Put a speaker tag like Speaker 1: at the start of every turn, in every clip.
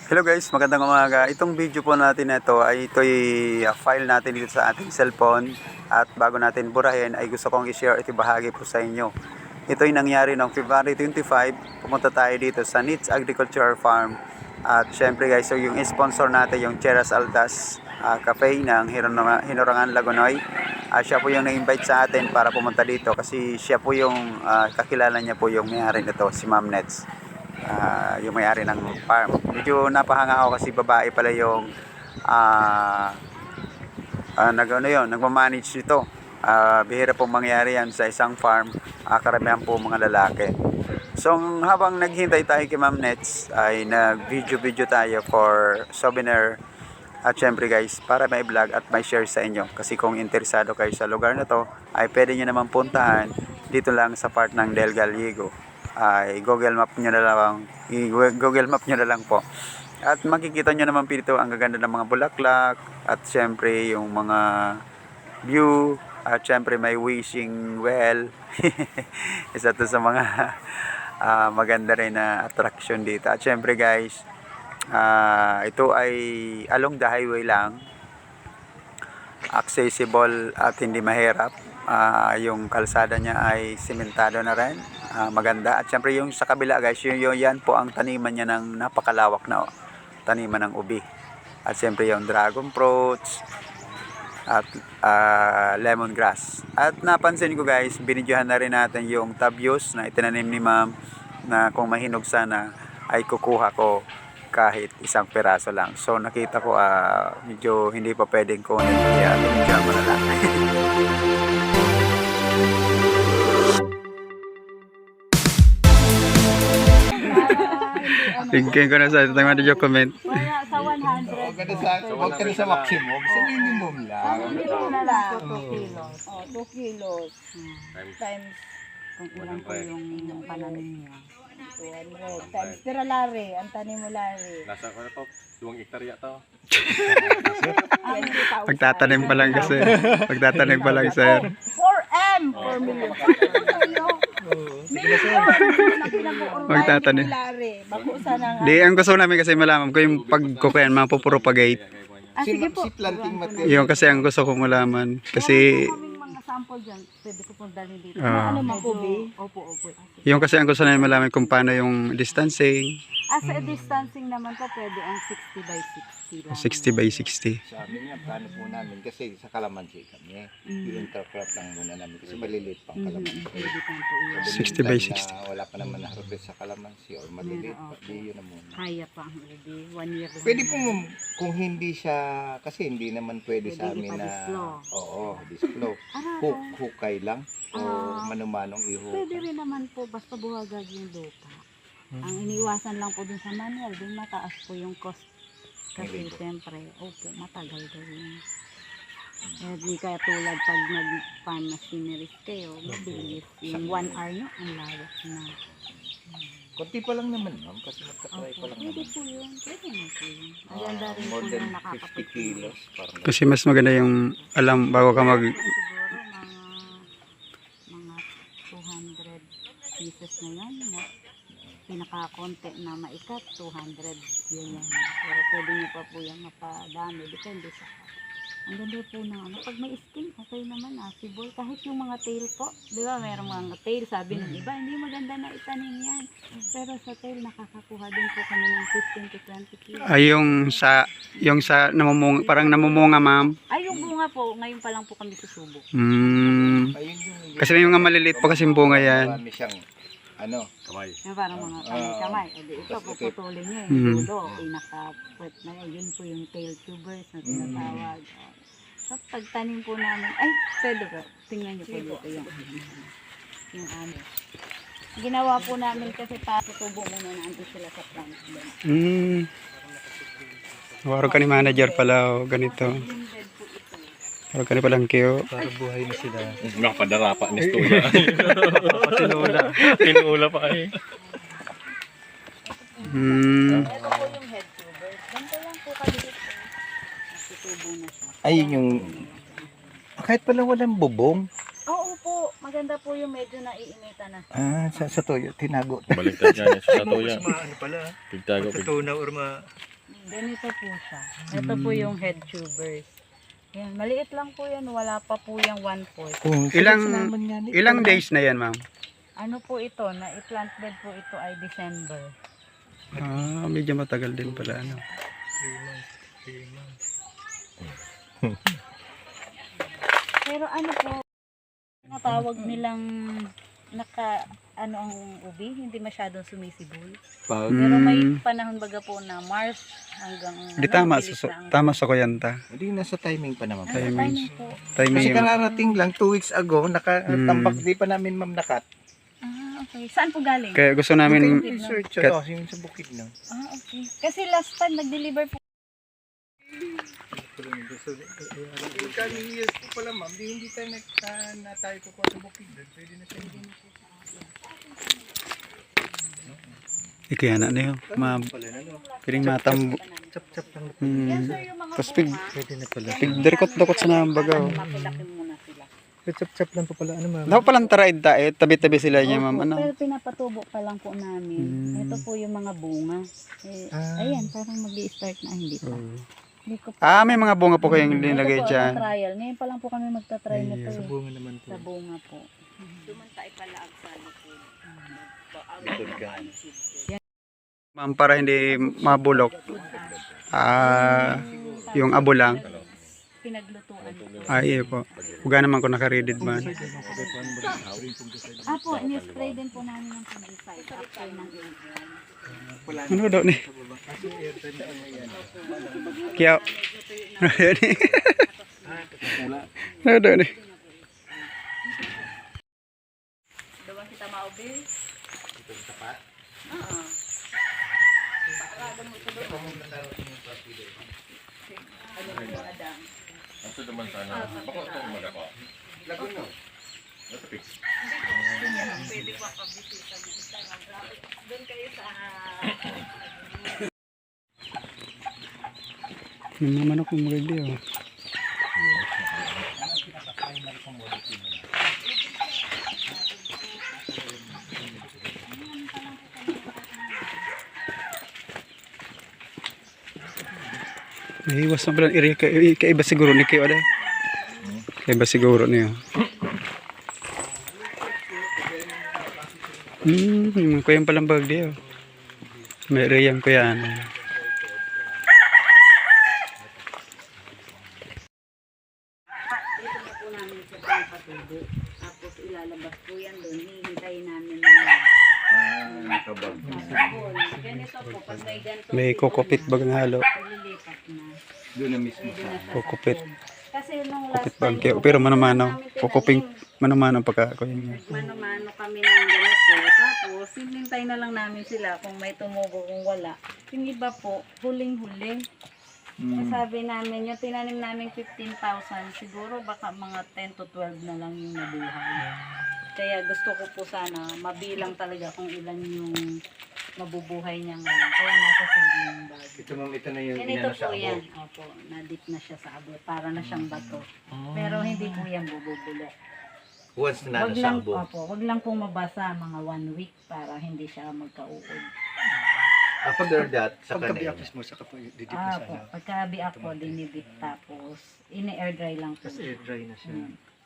Speaker 1: Hello guys, magandang umaga. Itong video po natin na ito ay file natin dito sa ating cellphone at bago natin burahin ay gusto kong i-share at ibahagi po sa inyo. Ito ay nangyari noong February 25, pumunta tayo dito sa Needs Agriculture Farm at syempre guys, so yung sponsor natin yung Cheras Altas Cafe ng Hinorangan Lagonoy. Siya po yung na-invite sa atin para pumunta dito kasi siya po yung kakilala niya po yung may-ari nito, si Ma'am Nets. Yung may-ari ng farm. Medyo napahanga ako kasi babae pala yung nagmamanage nito. Bihira pong mangyari yan sa isang farm. Karamihan po mga lalaki. So habang naghintay tayo kay Ma'am Nets ay nag-video tayo for souvenir. At syempre guys, para may vlog at may share sa inyo. Kasi kung interesado kayo sa lugar na to, ay pwede nyo naman puntahan dito lang sa part ng Del Gallego. Ay Google Map nyo na lang po. At makikita nyo naman dito ang gaganda ng mga bulaklak at syempre yung mga view at syempre may wishing well. Isa to sa mga maganda rin na attraction dito. At syempre guys, ito ay along the highway lang, accessible at hindi mahirap. Yung kalsada niya ay simentado na rin, maganda. At syempre yung sa kabila guys, yan po ang taniman niya ng napakalawak na taniman ng ubi. At syempre yung dragon fruits at lemongrass. At napansin ko guys, binidyohan na rin natin yung tabios na itinanim ni Ma'am na kung mahinog sana ay kukuha ko kahit isang piraso lang. So nakita ko medyo hindi pa pwedeng kunin, kaya binidyohan mo na lang. Tingin ko na sa ito yung comment.
Speaker 2: Wala sa 100.
Speaker 3: Huwag ka na sa maximum, sa minimum lang.
Speaker 2: Minimum na lang. 2 kilos. 2 kilos. Times kung ilan po yung pananim niya. 200. Times pero lari. Ang tanim mo lari.
Speaker 4: Nasa ko na to, 2 hektarya to.
Speaker 1: Pagtatanim pa lang kasi. Pagtatanim pa lang sir.
Speaker 2: 4M! 4 million.
Speaker 1: Magtatanim. Di, ang gusto namin kasi malaman ko yung pagkukuyan, mapupropagate.
Speaker 2: Sige po.
Speaker 3: Si planting material.
Speaker 1: Yung kasi ang gusto kong malaman. Kasi
Speaker 2: Mga sample dyan. Pwede ko pong dalhin dito.
Speaker 1: Ano
Speaker 2: makubi? Opo.
Speaker 1: yung kasi ang gusto namin malaman kung paano yung distancing.
Speaker 2: Sa distancing naman po, pwede ang 60 by 60 lang.
Speaker 1: 60 by 60.
Speaker 3: Sa amin nga, plano po namin kasi sa kalamansi kami. I-intercrop lang muna namin kasi maliliit pang kalamansi.
Speaker 2: Pwede pang po yun.
Speaker 1: 60 by 60.
Speaker 3: Wala pa naman na-harvest sa kalamansi or maliliit pa. Di yun na muna.
Speaker 2: Kaya pa ang ubi. 1 year lang.
Speaker 3: Pwede po kung hindi siya, kasi hindi naman pwede sa amin na,
Speaker 2: ipa-disflow.
Speaker 3: oo, disflow. Hukay lang o manumanong ihukay.
Speaker 2: Pwede rin naman po, basta buhagag yung lupa. Ang iniwasan lang po dun sa manual, dun mataas po yung cost. Kasi siyempre, matagal daw yun. Di kaya tulad pag nag-farm machineries kayo, mabilis. Yung 1 hour nyo, ang lawak na.
Speaker 3: Konti pa lang naman, ma'am, kasi magka-try pa lang
Speaker 2: Pwede
Speaker 3: naman.
Speaker 2: po yun. Pwede na po yun. Maganda rin po
Speaker 3: More than
Speaker 2: yung
Speaker 3: 50
Speaker 2: nakakapit.
Speaker 3: kilos. Parang
Speaker 1: Kasi mas maganda yung alam bago ka mag...
Speaker 2: Siguro mga 200 pieces na yan. Pinaka-konti na maikat, 200 yun yan. Pero pwede nyo pa po yan mapadami. Depende sa... Ang ganda po na pag may skin, okay naman sibol. Kahit yung mga tail po, di ba, mayroong mga tail, sabi ng iba, hindi maganda na itanim yan. Pero sa tail, nakakakuha din po kami ng 15 to 20 kilos.
Speaker 1: Ay, yung sa namumunga, parang namumunga ma'am.
Speaker 2: Ay, yung bunga po, ngayon pa lang po kami susubok.
Speaker 3: ayun yung...
Speaker 1: Kasi may mga maliliit pa kasing bunga yan.
Speaker 3: Marami siyang,
Speaker 4: Kamay.
Speaker 2: Yung parang mga kamay-kamay. O di ito, puputulin nyo yung dulo. Pinaka-pwet na yan. Yun po yung tail tubers na tinatawag. So, pagtanim po namin, ay, pwede ba? Tingnan nyo po dito yung ano. Ginawa po namin kasi tutubo muna natin sila sa plants doon.
Speaker 1: Waro ka ni manager pala o ganito. Waro ka ni palang kiyo.
Speaker 3: Para buhay na sila.
Speaker 4: Nakapadara pa ni Stoya. Tinula pa eh.
Speaker 2: Ito po yung head tubers. Ganito lang po kaliit po. Tutubo na siya.
Speaker 3: Ayun yung... Kahit pala walang bubong.
Speaker 2: Oo po, maganda po yung medyo naiinita na.
Speaker 3: Sa toyo, tinago.
Speaker 4: Baliktad yan sa Stoya.
Speaker 5: Ano pala?
Speaker 4: Pigtago.
Speaker 5: Pagkatunaw or
Speaker 2: Ganito po siya. Ito po yung head tubers. Yan, maliit lang po yan. Wala pa po yung 1/4.
Speaker 1: Ilang days na yan, ma'am?
Speaker 2: Ano po ito? Na i-plant bed po ito ay December.
Speaker 1: Ah, medyo matagal din pala, ano.
Speaker 2: Pero ano po, natawag nilang ano ang ubi, hindi masyadong sumisibol.
Speaker 3: Pag
Speaker 2: Pero may panahon baga po na March hanggang
Speaker 1: Di tama,
Speaker 2: bilis na ang-
Speaker 1: tama sa kuyanta.
Speaker 3: hindi nasa timing pa naman.
Speaker 2: Nasa
Speaker 1: timing.
Speaker 2: timing po.
Speaker 1: Timing
Speaker 3: Kasi
Speaker 1: yun.
Speaker 3: kararating lang 2 weeks ago, nakatambak di pa namin ma'am nakat.
Speaker 2: Ah, okay. Saan po galing?
Speaker 1: Kaya gusto namin,
Speaker 3: Yung research, yung sa bukid no.
Speaker 2: Ah, okay. Kasi last time nag-deliver po.
Speaker 3: Coming years po pala ma'am, hindi tayo na tayo kukuha sa bukid. Pwede na siya.
Speaker 1: ikaya na yun. Piling matambo.
Speaker 3: Chap-chap lang.
Speaker 2: Yan sir, yung mga
Speaker 1: Tapos pig,
Speaker 2: bunga,
Speaker 3: Pwede na pala.
Speaker 1: pigderkot-dokot sa nambaga.
Speaker 2: mapilaki muna sila.
Speaker 3: Chap-chap lang po pala ano ma'am.
Speaker 1: Daw palang taraid tayo, tabi-tabi sila niya, ma'am.
Speaker 2: Opo,
Speaker 1: Ano?
Speaker 2: pero pinapatubo pa lang po namin.
Speaker 1: Hmm.
Speaker 2: Ito po yung mga bunga. Ayan, parang mag-i-start na. Hindi pa. Hindi ko
Speaker 1: Ah, may mga bunga po kayong nilagay
Speaker 2: Ito po,
Speaker 1: dyan.
Speaker 2: trial. Ngayon pa lang po kami magta-try nito.
Speaker 3: Sa bunga naman po.
Speaker 2: Sa bunga po. Dumantay pala ang sa likod.
Speaker 3: Likod ka.
Speaker 1: Ma'am, para hindi mabulok. Ah, yung abo lang.
Speaker 2: Pinaglutuan.
Speaker 1: Ay, iyo po. Huwag naman kung naka-readed man.
Speaker 2: Po, ni-spray din po namin ng fungicide after ng airgun.
Speaker 1: Ano daw ni? Kaya, ano daw ni?
Speaker 2: Dawa kita maubi? Oo.
Speaker 4: Ito naman sana. Bako ito umaga ko. Ito fix.
Speaker 2: Pwede pa pabisita. Doon kayo sa...
Speaker 1: Yung mga manok yung magagdi, oh. Iwas na pala. Kaiba siguro ni kayo, ada. Kaiba siguro niyo. Yung kuyang palang bagdi, oh. May reyang kuya, ano.
Speaker 2: Dito na po namin sa pangpatubo. Tapos ilalabas po yan doon. Hihintayin namin ng
Speaker 3: Kabag.
Speaker 2: sabon. Ganito po, pag may ganito.
Speaker 1: May kokopit bagang halo.
Speaker 2: Paglilipat na.
Speaker 3: Doon na mismo
Speaker 2: Pwede
Speaker 3: sa.
Speaker 2: na sa
Speaker 1: Kokopit.
Speaker 2: sabon. Kasi nung last
Speaker 1: Kokopit
Speaker 2: time
Speaker 1: bangke.
Speaker 2: po,
Speaker 1: Pero mano-mano.
Speaker 2: namin
Speaker 1: Kokoping
Speaker 2: tinanim.
Speaker 1: mano-mano pagka kuya.
Speaker 2: Mano-mano kami ng ganito. Tapos, sinintay na lang namin sila kung may tumubo, kung wala. Yung iba po, huling-huli. Sabi namin, yung tinanim namin 15,000, siguro baka mga 10 to 12 na lang yung nabuhay. Kaya gusto ko po sana mabilang talaga kung ilan yung mabubuhay niya ngayon. Kaya nasa sigling bag.
Speaker 3: Ito ma'am, ito na yung
Speaker 2: Ganito
Speaker 3: inano sa
Speaker 2: po
Speaker 3: abo.
Speaker 2: yan. Opo, na-dip na siya sa abo. Para na siyang bato. Pero hindi po yan bububulok.
Speaker 3: Once na
Speaker 2: Wag
Speaker 3: nasa
Speaker 2: lang,
Speaker 3: abo.
Speaker 2: wag lang pong mabasa mga 1 week para hindi siya magkauod.
Speaker 3: After that, sa
Speaker 5: Pagka
Speaker 3: kanila.
Speaker 5: biakis mo, saka po didip na
Speaker 2: Ah,
Speaker 5: sa
Speaker 2: po.
Speaker 5: ano.
Speaker 2: Pagkabi ako, dinibit tapos ini-air dry lang po.
Speaker 5: Tapos air dry na siya.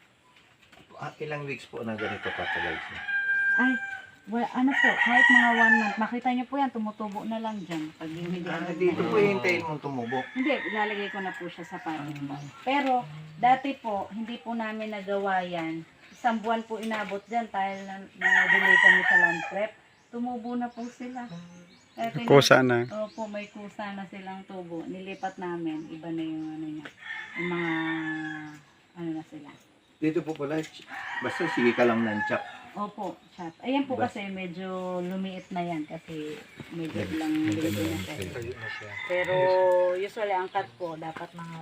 Speaker 3: Ilang weeks po na ganito katagal siya?
Speaker 2: Ay, ano po, kahit mga 1 month, makita niyo po yan, tumutubo na lang dyan. Pag yung hindi agad
Speaker 3: Dito
Speaker 2: na.
Speaker 3: po hintayin mong tumubo.
Speaker 2: Hindi, ilalagay ko na po siya sa packet box. Pero, dati po, hindi po namin nagawa yan. Isang buwan po inabot dyan dahil na-delay kami sa land prep. Tumubo na po sila. Kaya
Speaker 1: Kusa na.
Speaker 2: Opo, may kusa na silang tubo. Nilipat namin. Iba na yung ano niya. Yung mga, ano na sila.
Speaker 3: Dito po pala, basta sige ka lang ng chop.
Speaker 2: Opo, chat. Ayan po kasi medyo lumiit na yan kasi medyo lang dito na siya.
Speaker 5: Tayo na siya.
Speaker 2: Pero usually ang cut po dapat mga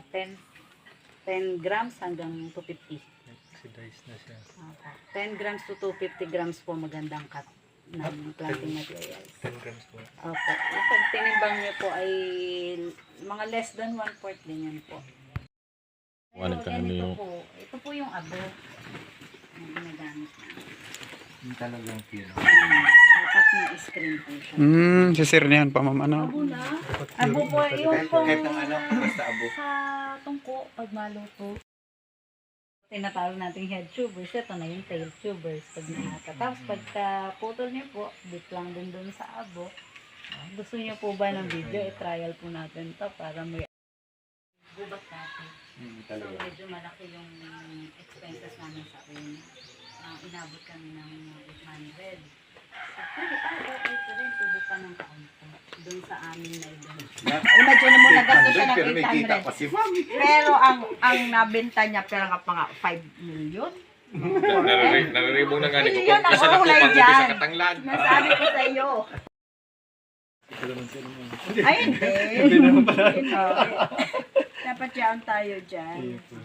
Speaker 2: 10 grams hanggang 250.
Speaker 5: Oxidize na siya.
Speaker 2: Opo. 10 grams to 250 grams po magandang cut ng planting materials.
Speaker 5: 10 grams po.
Speaker 2: Opo. Yung pag tinimbang niyo po ay mga less than 1/4 din yan po.
Speaker 4: Ano
Speaker 2: Pero
Speaker 4: ka, ano
Speaker 2: ganito
Speaker 4: yung-
Speaker 2: po. Ito po yung abo na ginagamit namin.
Speaker 3: Yung talagang pino.
Speaker 2: Tapos apat na screen po siya.
Speaker 1: Sisirnihan pa ma'am, ano?
Speaker 2: Abo po, yung pong
Speaker 3: Kahit ng ano, basta abo.
Speaker 2: sa tungko, pag maluto. Tinatawag nating head tubers, ito na yung tail tubers. Pag nakaka. Tapos pagka putol niyo po, dip lang din doon sa abo. Gusto niyo po ba ng video? I-trial po natin to para may gubat natin. So medyo malaki yung expenses namin sa akin. Inabot kami ng 800. Pwede pa, okay pa rin. Tubo pa ng kaunti. Doon sa amin na ibang.
Speaker 6: Imagine mo, nagasto siya ng
Speaker 3: Pero may kita
Speaker 6: 800.
Speaker 3: pa si Mami.
Speaker 6: Pero ang nabenta niya, pero nga pa nga 5 million.
Speaker 4: Nariribong na nga ni ko.
Speaker 6: Yun ang
Speaker 4: Nasa
Speaker 6: kulay
Speaker 4: nakupang
Speaker 6: dyan.
Speaker 4: sa katanglan.
Speaker 6: Nasabi ko sa iyo.
Speaker 5: Ito naman sila ma'am.
Speaker 6: Ay, hindi.
Speaker 5: Hindi naman pala.
Speaker 6: Dapat yan tayo dyan.
Speaker 5: Ayun po.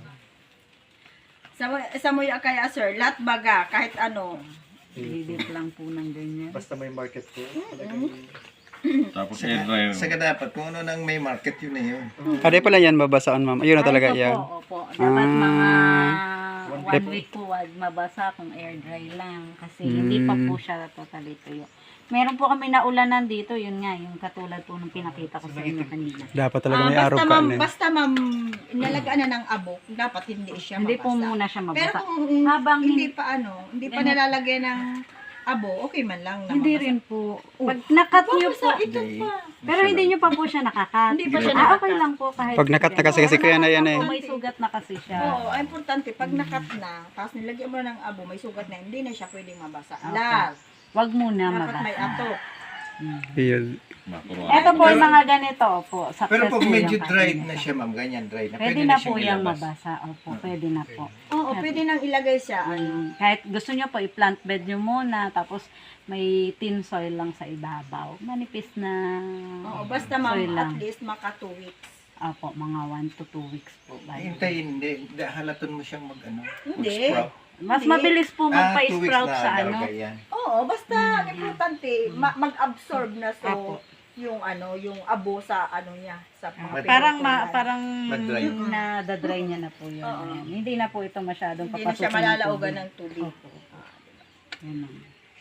Speaker 6: Sa mo yung kaya, sir, lahat baga, kahit ano.
Speaker 2: Didip lang po ng ganyan.
Speaker 5: Basta may market po. Talagang
Speaker 4: Tapos air dryer.
Speaker 3: Saka dapat, kung ano nang may market, yun na yun.
Speaker 1: Kade pala yan babasaan ma'am. Ayun na talaga
Speaker 2: Ito
Speaker 1: yan.
Speaker 2: Po, opo. Dapat mga
Speaker 1: Dep-
Speaker 2: 1 week po wag mabasa kung air dry lang. Kasi hindi pa po siya totally tuyo. Meron po kami naulanan dito, yun nga, yung katulad po nung pinakita ko sa inyo kanina.
Speaker 1: Dapat talaga may araw ka na.
Speaker 6: Basta ma'am, inalagaan na ng abo, dapat hindi siya
Speaker 2: Hindi
Speaker 6: mabasa.
Speaker 2: po muna siya
Speaker 6: Pero
Speaker 2: mabasa.
Speaker 6: kung
Speaker 2: Habang
Speaker 6: hindi pa hindi pa nalalagay ng abo, okay man lang na
Speaker 2: Hindi
Speaker 6: mabasa.
Speaker 2: rin po. Pag nakat nyo po,
Speaker 6: Ito pa.
Speaker 2: pero hindi nyo pa po siya nakakat.
Speaker 6: Hindi pa siya
Speaker 2: Okay
Speaker 6: nakakat.
Speaker 2: lang po kahit.
Speaker 1: Pag nakat na kasi kuya na yan eh.
Speaker 2: May sugat na kasi siya.
Speaker 6: Oo, ang importante, pag nakat na, tapos nilagyan mo na ng abo, may sugat na, hindi na siya pwedeng mabasa. Last,
Speaker 2: Wag muna
Speaker 6: dapat may
Speaker 2: mabasa.
Speaker 6: ato.
Speaker 1: Ayun.
Speaker 2: Ito po yung mga ganito po. Success
Speaker 3: Pero pag
Speaker 2: po
Speaker 3: medyo
Speaker 2: yung
Speaker 3: dried
Speaker 2: kasi.
Speaker 3: na siya, ma'am, ganyan dried na,
Speaker 2: Pwede na po
Speaker 3: siyang
Speaker 2: yung
Speaker 3: ilabas.
Speaker 2: mabasa. Opo, pwede na po.
Speaker 6: Oo, pwede nang ilagay siya.
Speaker 2: Kahit gusto nyo po, i-plant bed nyo muna, tapos may tin soil lang sa ibabaw. Manipis na
Speaker 6: Oo, basta
Speaker 2: soil
Speaker 6: ma'am,
Speaker 2: lang.
Speaker 6: at least maka 2 weeks.
Speaker 2: Opo, mga 1 to 2 weeks po.
Speaker 3: Hintayin, hindi. Halaton mo siyang mag-ano.
Speaker 6: Hindi.
Speaker 3: mag-sprout.
Speaker 2: Mas mabilis po
Speaker 3: 2 weeks
Speaker 2: magpa-sprout
Speaker 3: na
Speaker 2: sa ano.
Speaker 3: lalagay yan.
Speaker 6: Oo, basta ang importante, mag-absorb na
Speaker 2: Apo.
Speaker 6: yung yung abo sa niya, sa mga
Speaker 2: Parang
Speaker 6: pinutulan.
Speaker 2: parang
Speaker 3: Mag-dry.
Speaker 2: na-dry niya na po yun.
Speaker 6: Oo.
Speaker 2: Ayan. Hindi na po ito masyadong
Speaker 6: Hindi na siya
Speaker 2: papasukin
Speaker 6: malalaugan ng tubig.
Speaker 2: Opo. Ganun.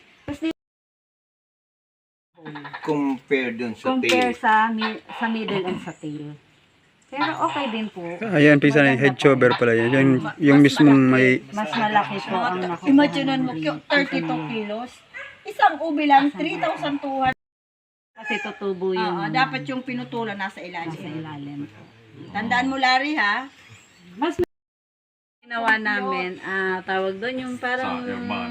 Speaker 3: Compare dun sa
Speaker 2: Compare
Speaker 3: tail.
Speaker 2: sa middle and sa tail. Pero okay din po.
Speaker 1: Ayan, pisa na yung head chover pala yan. Yung mismong may...
Speaker 2: Mas malaki po ang nakukuha.
Speaker 6: Imaginean mo,
Speaker 2: ng
Speaker 6: 32 kilos. Isang ubi lang, 3,200.
Speaker 2: Kasi tutubo yung
Speaker 6: Dapat yung pinutulan nasa
Speaker 2: nasa
Speaker 6: ilalim.
Speaker 2: ilalim.
Speaker 6: Tandaan mo, Larry, ha?
Speaker 2: Mas ginawa namin, tawag doon yung parang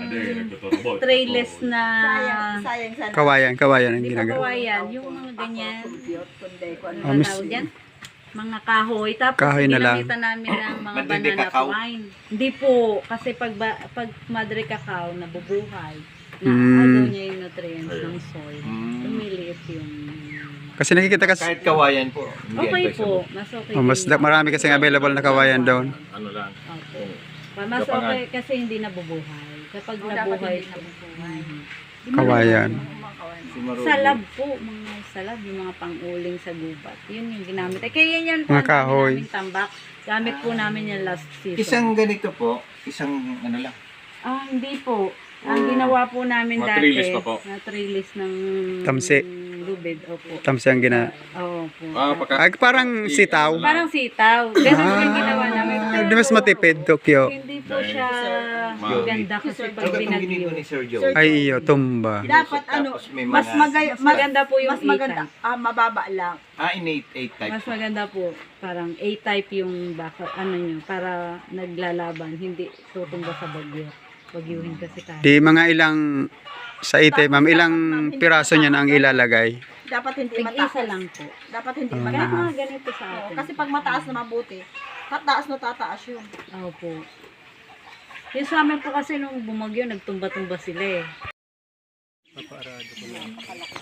Speaker 2: trayless na
Speaker 6: Sayang sana.
Speaker 1: Kawayan ang
Speaker 2: hindi pa
Speaker 1: ginagawa.
Speaker 2: kawayan, yung mga ganyan.
Speaker 6: Kundi ko ano.
Speaker 1: Ah,
Speaker 2: Ano
Speaker 1: mis-
Speaker 2: tawag yan? Mga kahoy. Tapos
Speaker 1: Kahoy na lang.
Speaker 2: ginamitan namin ng mga
Speaker 3: Madre
Speaker 2: banana
Speaker 3: cacao?
Speaker 2: twine. Hindi po. Kasi pag madre cacao, nabubuhay. Na
Speaker 1: Mm.
Speaker 2: ano niya yung nutrients ng soil.
Speaker 3: Mm.
Speaker 2: Lumiliit yung...
Speaker 1: Kasi nakikita kasi...
Speaker 3: Kahit kawayan po. hindi
Speaker 2: Okay
Speaker 3: advisable.
Speaker 2: po. Mas okay.
Speaker 1: Oh, mas
Speaker 2: din.
Speaker 1: marami kasing available na kawayan down.
Speaker 4: Ano lang.
Speaker 2: Opo. Mas okay kasi hindi nabubuhay. Kapag
Speaker 6: Dapat
Speaker 2: nabuhay,
Speaker 6: hindi nabubuhay.
Speaker 1: Kawayan.
Speaker 3: Si Marulo.
Speaker 2: salab po, mga salab, yung mga pang-uling sa gubat. Yun yung ginamit. Kaya yan yan po,
Speaker 1: Mga
Speaker 2: ang dami
Speaker 1: kahoy.
Speaker 2: naming tambak. Gamit po namin yung last season.
Speaker 3: Isang ganito po, isang ano lang.
Speaker 2: Hindi po. Ang ginawa po namin
Speaker 4: Mga
Speaker 2: dati,
Speaker 4: trellis pa po.
Speaker 2: na trellis ng
Speaker 1: Tamsi.
Speaker 2: lubid. Opo.
Speaker 1: Tamsi ang gina...
Speaker 2: Oo po.
Speaker 1: Ay, parang sitaw.
Speaker 2: Parang sitaw. Ganun po yung ginawa namin.
Speaker 1: Di mas matipid, Tokyo.
Speaker 2: Hindi po siya maganda kasi pag
Speaker 3: Ano itong ginito
Speaker 2: binagyo.
Speaker 3: ni Sir Joe?
Speaker 1: Ay, iyo, tumba.
Speaker 6: Dapat
Speaker 3: Tapos may
Speaker 6: mas
Speaker 3: mga-
Speaker 2: Maganda po yung
Speaker 6: mas maganda,
Speaker 2: A-type.
Speaker 6: mababa lang.
Speaker 3: In 8 type.
Speaker 2: Mas maganda po, parang A-type yung baka, ano nyo, para naglalaban, hindi tutumba sa bagyo. Bagyuhin kasi tayo.
Speaker 1: Di mga ilang... Sa ite, ma'am, ilang piraso niya na ang ilalagay.
Speaker 6: Dapat hindi
Speaker 2: Tig-isa
Speaker 6: mataas.
Speaker 2: lang po.
Speaker 6: Dapat hindi
Speaker 2: Kahit
Speaker 6: mataas.
Speaker 2: mga ganito sa
Speaker 6: Oo,
Speaker 2: atin.
Speaker 6: kasi pag mataas na mabuti, tataas na tataas yun.
Speaker 2: Opo. Yung sa amin po kasi nung bumagyo, nagtumba-tumba sila eh.
Speaker 5: papaarado ko lang.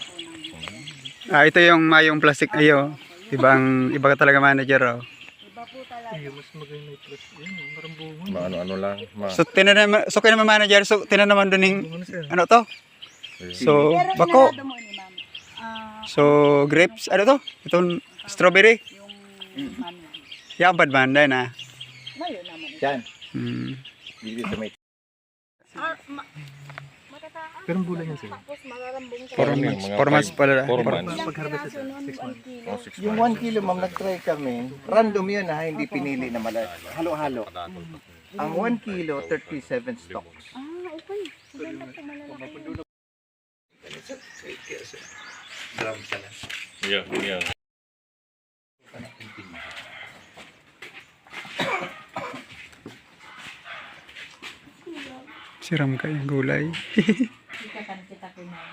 Speaker 1: Ito yung mayong plastic ayo. Iba ka talaga manager, oh.
Speaker 5: Ayun, mas maganda yung plus. Ayun, parang bunga.
Speaker 4: Ano lang.
Speaker 1: So, kaya naman manager, so, tinanaman doon yung,
Speaker 5: Bunga na sir.
Speaker 1: ano to? So,
Speaker 6: Pero
Speaker 1: bako.
Speaker 6: inalado mo ni ma'am.
Speaker 1: So, grapes, ano to? Itong strawberry.
Speaker 6: Yung mami.
Speaker 1: Yan, badmanda na.
Speaker 6: Ngayon naman.
Speaker 3: Yan.
Speaker 1: Hmm.
Speaker 3: Dito sa may
Speaker 6: Matataan.
Speaker 5: Pero ang gulay yan sir.
Speaker 1: 4 months pala.
Speaker 4: 4 months.
Speaker 5: Pag-harvest sir, 6 months.
Speaker 4: Oh, 6
Speaker 3: Yung 1 kilo, ma'am, nag-try kami. Random yun ha, hindi pinili na malaki. Halo-halo. Ang 1 kilo, 37 stocks.
Speaker 2: Ah, okay. Maganda po malalaki.
Speaker 4: Yeah, yeah.
Speaker 1: Siram kayo gulay.
Speaker 2: Kita kan kita ko na.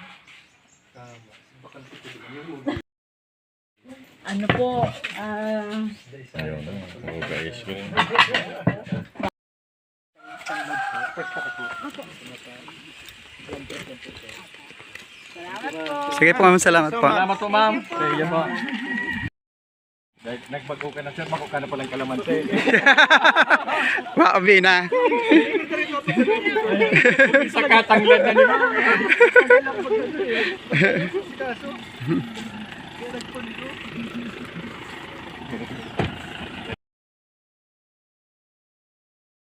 Speaker 2: Ano po,
Speaker 4: Ayun na. Oh, guys.
Speaker 1: Sige po, ma'am, salamat po.
Speaker 3: Salamat po, ma'am. Sige po. Nagbago ka na, sir. Mako ka na palang kalamansi.
Speaker 1: Maabi na.
Speaker 3: Sa katanglan na ni ma'am.